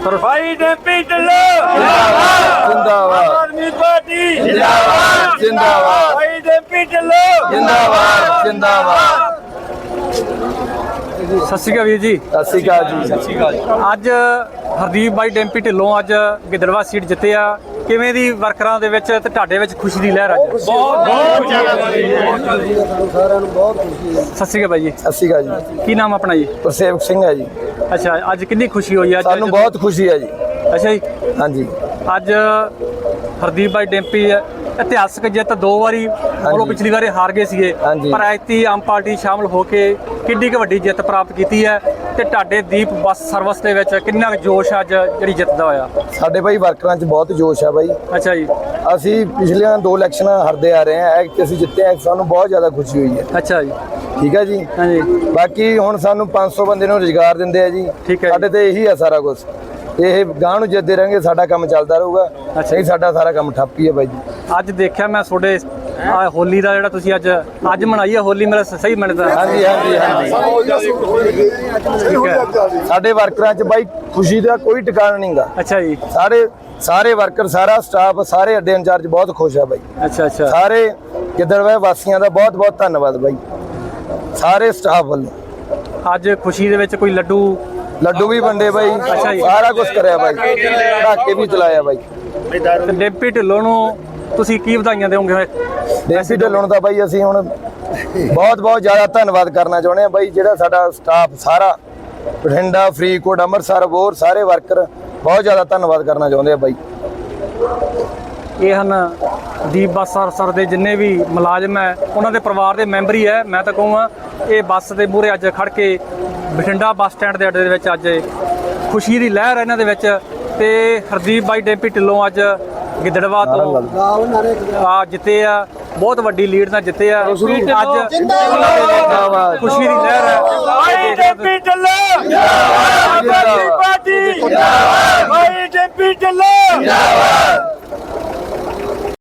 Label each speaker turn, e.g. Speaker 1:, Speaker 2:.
Speaker 1: भाई डैम्पी ढिल्लों
Speaker 2: जिंदाबाद
Speaker 1: आम आदमी पार्टी
Speaker 2: जिंदाबाद जिंदाबाद
Speaker 1: भाई डैम्पी ढिल्लों
Speaker 2: जिंदाबाद जिंदाबाद।
Speaker 3: ਸਤਿ ਸ਼੍ਰੀ ਅਕਾਲ ਵੀਰ ਜੀ।
Speaker 2: ਸਤਿ ਸ਼੍ਰੀ ਅਕਾਲ ਜੀ। ਸਤਿ ਸ਼੍ਰੀ ਅਕਾਲ।
Speaker 3: ਅੱਜ ਹਰਦੀਪ ਬਾਈ ਡੈਂਪੀ ਢਿੱਲੋਂ ਅੱਜ ਗਿੱਦੜਵਾ ਸੀਟ ਜਿੱਤੇ ਆ, ਕਿਵੇਂ ਦੀ ਵਰਕਰਾਂ ਦੇ ਵਿੱਚ ਤੇ ਤੁਹਾਡੇ ਵਿੱਚ ਖੁਸ਼ੀ ਦੀ ਲਹਿਰ ਅੱਜ?
Speaker 1: बहुत ज्यादा
Speaker 2: ਸਾਰਿਆਂ ਨੂੰ ਬਹੁਤ ਖੁਸ਼ੀ ਹੈ।
Speaker 3: ਸਤਿ ਸ਼੍ਰੀ ਅਕਾਲ ਬਾਈ ਜੀ।
Speaker 2: ਸਤਿ ਸ਼੍ਰੀ ਅਕਾਲ ਜੀ।
Speaker 3: ਕੀ ਨਾਮ ਆਪਣਾ ਜੀ?
Speaker 2: ਗੁਰਸੇਵਕ ਸਿੰਘ ਹੈ ਜੀ।
Speaker 3: ਅੱਛਾ, ਅੱਜ ਕਿੰਨੀ ਖੁਸ਼ੀ ਹੋਈ ਅੱਜ?
Speaker 2: ਸਾਨੂੰ ਬਹੁਤ ਖੁਸ਼ੀ ਹੈ ਜੀ।
Speaker 3: ਅੱਛਾ ਜੀ,
Speaker 2: ਹਾਂਜੀ
Speaker 3: ਅੱਜ ਹਰਦੀਪ ਬਾਈ ਡੈਂਪੀ ਇਤਿਹਾਸਕ ਜਿੱਤ 2 ਵਾਰੀ, ਉਹ ਪਿਛਲੀ ਵਾਰੀ ਹਾਰ ਗਏ ਸੀਗੇ,
Speaker 2: ਹਾਂਜੀ।
Speaker 3: ਪਰ ਐਤੀ ਆਮ ਪਾਰਟੀ ਸ਼ਾਮਲ ਹੋ ਕੇ ਕਿੰਨੀ ਕੁ ਵੱਡੀ ਜਿੱਤ ਪ੍ਰਾਪਤ ਕੀਤੀ ਹੈ ਤੇ ਤੁਹਾਡੇ ਦੀਪ ਬੱਸ ਸਰਵਿਸ ਦੇ ਵਿੱਚ ਕਿੰਨਾ ਕੁ ਜੋਸ਼ ਅੱਜ ਜਿਹੜੀ ਜਿੱਤ ਦਾ ਹੋਇਆ?
Speaker 2: ਸਾਡੇ ਭਾਈ ਵਰਕਰਾਂ 'ਚ ਬਹੁਤ ਜੋਸ਼ ਹੈ ਭਾਈ।
Speaker 3: ਅੱਛਾ ਜੀ।
Speaker 2: ਅਸੀਂ ਪਿਛਲੀਆਂ 2 ਇਲੈਕਸ਼ਨਾਂ ਹਾਰਦੇ ਆ ਰਹੇ ਹਾਂ, ਐਤਕੀ ਅਸੀਂ ਜਿੱਤੇ ਹਾਂ, ਸਾਨੂੰ ਬਹੁਤ ਜ਼ਿਆਦਾ ਖੁਸ਼ੀ ਹੋਈ ਹੈ।
Speaker 3: ਅੱਛਾ ਜੀ।
Speaker 2: ਠੀਕ ਹੈ ਜੀ।
Speaker 3: ਹਾਂਜੀ
Speaker 2: ਬਾਕੀ ਹੁਣ ਸਾਨੂੰ 500 ਬੰਦੇ ਨੂੰ ਰੁਜ਼ਗਾਰ ਦਿੰਦੇ ਆ ਜੀ।
Speaker 3: ਠੀਕ ਹੈ ਜੀ।
Speaker 2: ਸਾਡੇ ਤੇ ਇਹੀ ਆ ਸਾਰਾ ਕੁਝ। ਇਹ ਗਾਂ ਨੂੰ ਜਿੱਤਦੇ ਰਹਿਣਗੇ, ਸਾਡਾ ਕੰਮ ਚੱਲਦਾ ਰਹੂਗਾ। ਨਹੀਂ ਸਾਡਾ ਸਾਰਾ ਕੰਮ ਠੱਪ ਹੀ ਹੈ ਬਾਈ ਜੀ।
Speaker 3: ਅੱਜ ਦੇਖਿਆ ਮੈਂ ਤੁਹਾਡੇ ਹੋਲੀ ਦਾ ਜਿਹੜਾ ਤੁਸੀਂ ਅੱਜ ਮਨਾਈ ਹੈ ਹੋਲੀ, ਮੇਰਾ ਸਹੀ ਮੰਨਦਾ?
Speaker 2: ਹਾਂਜੀ ਹਾਂਜੀ ਹਾਂਜੀ।
Speaker 3: ਠੀਕ ਹੈ।
Speaker 2: ਸਾਡੇ ਵਰਕਰਾਂ 'ਚ ਬਾਈ ਖੁਸ਼ੀ ਦਾ ਕੋਈ ਟਿਕਾਣਾ ਨਹੀਂਗਾ।
Speaker 3: ਅੱਛਾ ਜੀ।
Speaker 2: ਸਾਰੇ ਵਰਕਰ, ਸਾਰਾ ਸਟਾਫ, ਸਾਰੇ ਅੱਡੇ ਇੰਚਾਰਜ ਬਹੁਤ ਖੁਸ਼ ਆ ਬਾਈ।
Speaker 3: ਅੱਛਾ ਅੱਛਾ।
Speaker 2: ਸਾਰੇ ਗਿੱਦੜਬਾਹਾ ਵਾਸੀਆਂ ਦਾ ਬਹੁਤ ਬਹੁਤ ਧੰਨਵਾਦ ਬਾਈ, ਸਾਰੇ ਸਟਾਫ ਵੱਲੋਂ।
Speaker 3: ਅੱਜ ਖੁਸ਼ੀ ਦੇ ਵਿੱਚ ਕੋਈ ਲੱਡੂ
Speaker 2: ਲੱਡੂ ਵੀ ਵੰਡੇ ਬਾਈ,
Speaker 3: ਅੱਛਾ ਜੀ।
Speaker 2: ਸਾਰਾ ਕੁਝ ਕਰਿਆ ਬਾਈ, ਪਟਾਕੇ ਵੀ ਚਲਾਇਆ ਬਾਈ।
Speaker 3: ਤੇ ਡੈਂਪੀ ਢਿੱਲੋਂ ਨੂੰ ਤੁਸੀਂ ਕੀ ਵਧਾਈਆਂ ਦਿਓਗੇ?
Speaker 2: ਡੈਂਪੀ ਢਿੱਲੋਂ ਦਾ ਬਾਈ ਅਸੀਂ ਹੁਣ ਬਹੁਤ ਬਹੁਤ ਜ਼ਿਆਦਾ ਧੰਨਵਾਦ ਕਰਨਾ ਚਾਹੁੰਦੇ ਆ ਬਾਈ। ਜਿਹੜਾ ਸਾਡਾ ਸਟਾਫ ਸਾਰਾ ਬਠਿੰਡਾ, ਫਰੀਦਕੋਟ, ਅੰਮ੍ਰਿਤਸਰ, ਹੋਰ ਸਾਰੇ ਵਰਕਰ ਬਹੁਤ ਜ਼ਿਆਦਾ ਧੰਨਵਾਦ ਕਰਨਾ ਚਾਹੁੰਦੇ ਆ ਬਾਈ।
Speaker 3: ਇਹ ਹਨ ਦੀਪ ਬੱਸ ਸਰ ਦੇ ਜਿੰਨੇ ਵੀ ਮੁਲਾਜ਼ਮ ਹੈ, ਉਹਨਾਂ ਦੇ ਪਰਿਵਾਰ ਦੇ ਮੈਂਬਰ ਹੀ ਹੈ। ਮੈਂ ਤਾਂ ਕਹੂੰਗਾ ਇਹ ਬੱਸ ਦੇ ਮੂਹਰੇ ਅੱਜ ਖੜ ਕੇ ਬਠਿੰਡਾ ਬੱਸ ਸਟੈਂਡ ਦੇ ਅੱਡੇ ਦੇ ਵਿੱਚ ਅੱਜ ਖੁਸ਼ੀ ਦੀ ਲਹਿਰ ਹੈ ਇਹਨਾਂ ਦੇ ਵਿੱਚ। ਤੇ ਹਰਦੀਪ ਬਾਈ ਡੈਂਪੀ ਢਿੱਲੋਂ ਅੱਜ ਗਿੱਦੜਵਾ ਤੋਂ ਜਿੱਤੇ ਆ, ਬਹੁਤ ਵੱਡੀ ਲੀਡ ਨਾਲ ਜਿੱਤੇ ਆ। ਅੱਜ ਖੁਸ਼ੀ ਦੀ ਲਹਿਰ ਹੈ।
Speaker 1: भाई डैम्पी ढिल्लों आम आदमी पार्टी भाई डैम्पी ढिल्लों